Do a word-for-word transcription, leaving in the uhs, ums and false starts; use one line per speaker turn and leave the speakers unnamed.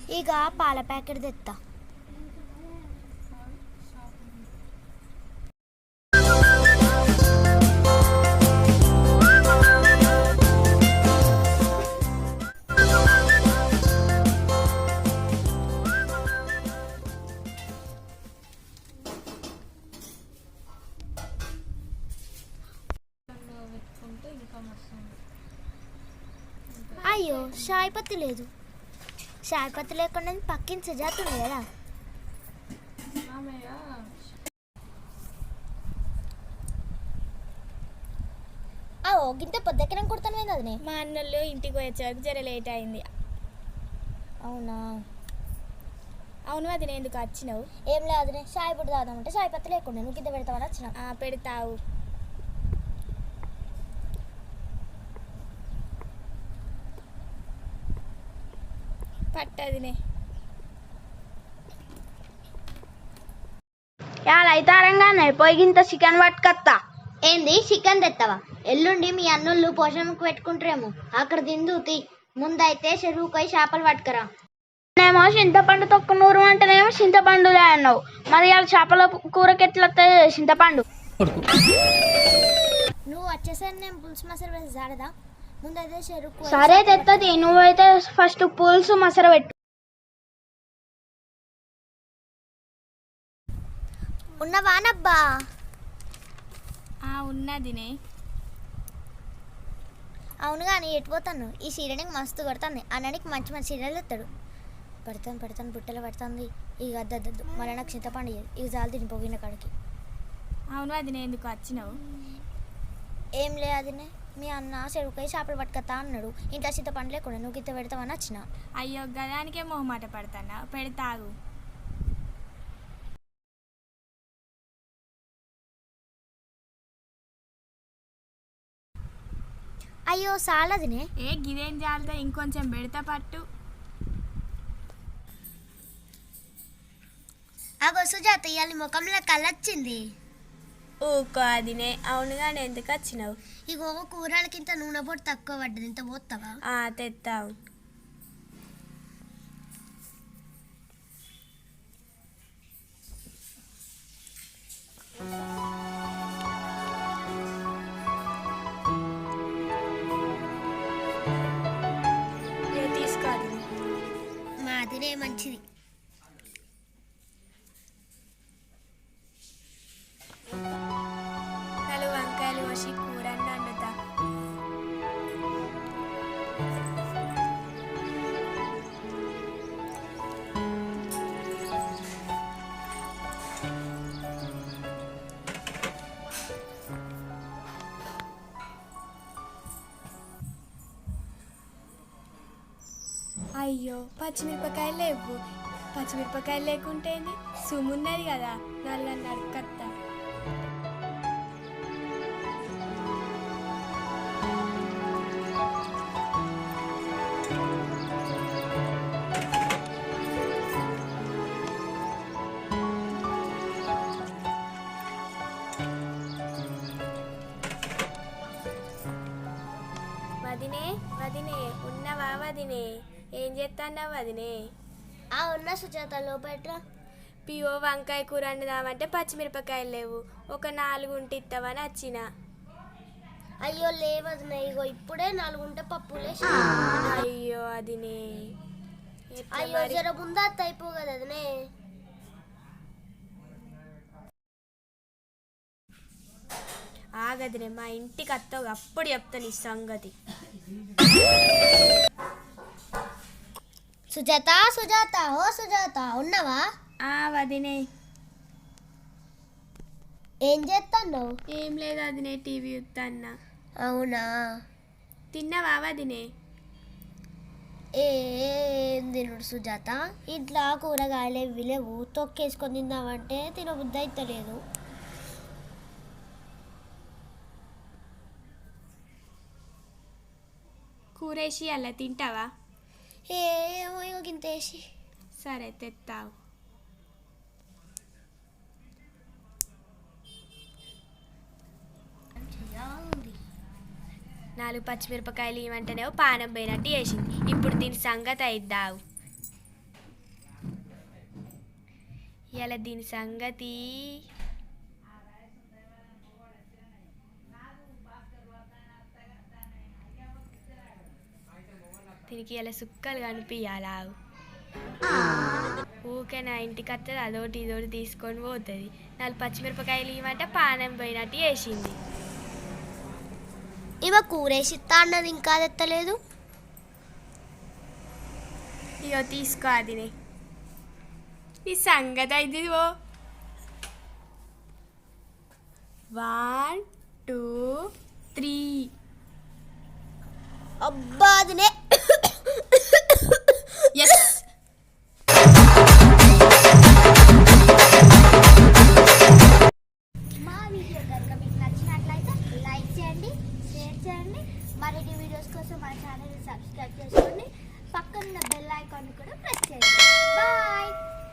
ఇక పాల ప్యాకెట్ తెత్తా. అయ్యో చాయ్ పత్తి లేదు. చాయ్ పత్తి లేకుండా పక్కిన సుజాత ఉంది కదా. ఓ గింత పొద్దెక్కడం కుడతాను అదినే.
మా అన్నోళ్ళు ఇంటికి వచ్చేవరకు జర లేట్ అయింది.
అవునా?
అవును అది నేను ఎందుకు వచ్చినావు?
ఏం లేదు అదినే, చాయ్ పొడి తాగుదామంటే చాయ్ పత్తి లేకుండా నువ్వు కింద పెడతామని వచ్చిన.
పెడతావు. పట్టదినే
అయితారంగానే పొయ్యింత చికెన్ పట్టుకత్తా.
ఏంది చికెన్ తెస్తావా? ఎల్లుండి మీ అన్నుళ్ళు పోషణకు పెట్టుకుంటారేమో, అక్కడ తిందు తీ. ముందైతే చెరువుకోయి చేపలు పట్టుకరా.
నేమో చింతపండు తొక్కు నూరు అంటేనేమో చింతపండులే అన్నావు. మరి వాళ్ళ చేపల కూరకి ఎట్లా చింతపండు?
నువ్వు వచ్చేసరి నేను పులుసు మసాలా వేసి జాడదా. ముందైతే చెరుకు.
సరే తెత్తది, నువ్వైతే ఫస్ట్ పులుసు మసర పెట్టు.
ఉన్నవానబ్బా?
ఉన్నదినే.
అవును కానీ ఎటు పోతాను? ఈ సీరియల్కి మస్తు కొడతాను. అన్ననికి మంచి మంచి సీరియల్ ఎత్తాడు. పెడతాను పెడతాను బుట్టలు పెడతాంది. ఇక అద్దద్దు మళ్ళీ నాకు చింతపండు ఇక జాలు తిని పోగిన కాడికి.
అవును అది నేను ఎందుకు వచ్చినావు?
ఏం లే అదినే, మీ అన్న చెరువుకాయ చేపలు పట్టుకతా అన్నాడు. ఇంట్లో చింతపండు లేకుండా నువ్వు గిత్త పెడతావని వచ్చిన.
అయ్యో గదానికే మొహమాట పడతానా, పెడతాగు.
అయ్యో సాలదినే.
ఏ గిదేం జాలతో ఇంకొంచెం పెడతా పట్టు.
అగో సుజాత ఇవాళ ముఖంలో కళ్ళొచ్చింది.
ఊకో అదినే. అవునుగా నేను ఎందుకు వచ్చినావు?
ఇగో కూరలకింత నూనె పొడి తక్కువ పడ్డది, ఇంత పోతావా?
తెత్తావు. తీసుకోదు
మాదిరే మంచిది.
నాలుగు వంకాయలు కోసి కూర వండుతా. అయ్యో పచ్చిమిరపకాయలు లేవు. పచ్చిమిరపకాయలు లేకుంటే సుమున్నది కదా, నల్ల నడకత్తా. వదినే వదినే ఉన్నవా వదినే? ఏం చేస్తున్నావు వదినే?
ఆ ఉన్న సుజాత లోపల
పియో వంకాయ కూర వండుదామంటే పచ్చిమిరపకాయలు లేవు. ఒక నాలుగు ఉంటే ఇస్తావని వచ్చిన.
అయ్యో లేవదినే, ఇగో ఇప్పుడే నాలుగుంటే పప్పులే.
అయ్యో అదినే.
అయ్యో జర ముందా అయిపో కదా అదినే.
ఆగదినే, మా ఇంటికి అత్తవు అప్పుడు చెప్తాను ఈ సంగతి.
సుజాత సుజాత ఓ సుజాత ఉన్నవా?
వదినే.
ఏం చేస్తాను?
ఏం లేదు అదినే, టీవీ చూస్తాన్నా.
అవునా?
తిన్నావా వదినే?
ఏం తినడు సుజాత, ఇంట్లో కూరగాయలు ఇవి లేవు. తొక్కేసుకొని తిందామంటే తినబుద్ధి అవుతలేదు.
కూరేసి అలా తింటావా?
ఏమో ఇక గింతేసి.
సరే తెత్తావు. నాలుగు పచ్చిమిరపకాయలు ఇవ్వంటేనేమో పానం పోయినట్టు వేసింది. ఇప్పుడు దీని సంగతి అయిద్దావు. ఇలా దీని సంగతి దీనికి ఇలా సుక్కలు కనిపించాలా ఊకే నా ఇంటికి వస్తుంది అదోటి ఇదోటి తీసుకొని పోతుంది నాలుగు పచ్చిమిరపకాయలు ఇవ్వమంటే పానం పోయినట్టు వేసింది.
ఇవ కూరేసిస్తా అన్నది ఇంకా తెత్తలేదు.
ఇగో తీసుకో అది ఈ సంగతి అయితే ఓ వన్ టూ త్రీ
అబ్బా అదినే
ఎస్
మా వీడియో కనుక మీకు నచ్చినట్లయితే లైక్ చేయండి, షేర్ చేయండి. మరిన్ని వీడియోస్ కోసం మన ఛానల్ని సబ్స్క్రైబ్ చేసుకోండి. పక్కన బెల్ ఐకాన్ కూడా ప్రెస్ చేయండి. బాయ్.